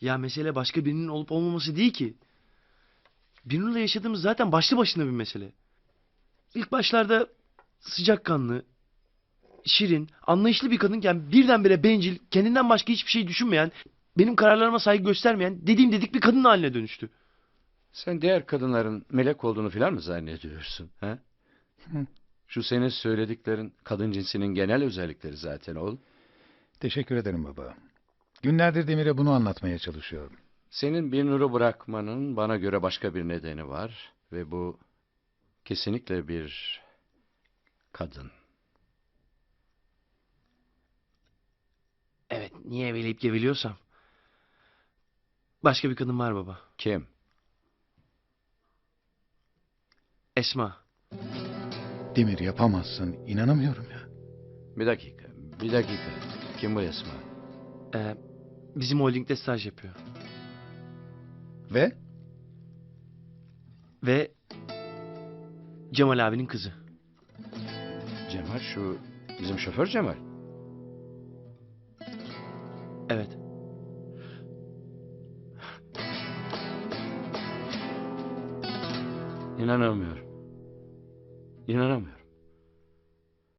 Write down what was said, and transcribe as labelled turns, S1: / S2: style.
S1: Ya mesele başka birinin olup olmaması değil ki. Birnur'la yaşadığımız zaten başlı başına bir mesele. İlk başlarda sıcakkanlı, şirin, anlayışlı bir kadınken birdenbire bencil, kendinden başka hiçbir şey düşünmeyen, benim kararlarıma saygı göstermeyen, dediğim dedik bir kadın haline dönüştü.
S2: Sen diğer kadınların melek olduğunu filan mı zannediyorsun? Ha?
S3: Hı.
S2: Şu senin söylediklerin kadın cinsinin genel özellikleri zaten oğlum.
S3: Teşekkür ederim baba. Günlerdir Demir'e bunu anlatmaya çalışıyorum.
S2: Senin bir nuru bırakmanın bana göre başka bir nedeni var. Ve bu kesinlikle bir kadın.
S1: Evet, niye eveleyip geveliyorsam. Başka bir kadın var baba.
S2: Kim?
S1: Esma.
S3: Demir yapamazsın. İnanamıyorum ya.
S2: Bir dakika, bir dakika. Kim bu Esma?
S1: Ee, Bizim holdingde staj yapıyor.
S3: Ve
S1: Ve Cemal abinin kızı.
S2: Cemal şu bizim şoför Cemal.
S1: Evet.
S2: İnanamıyorum. İnanamıyorum.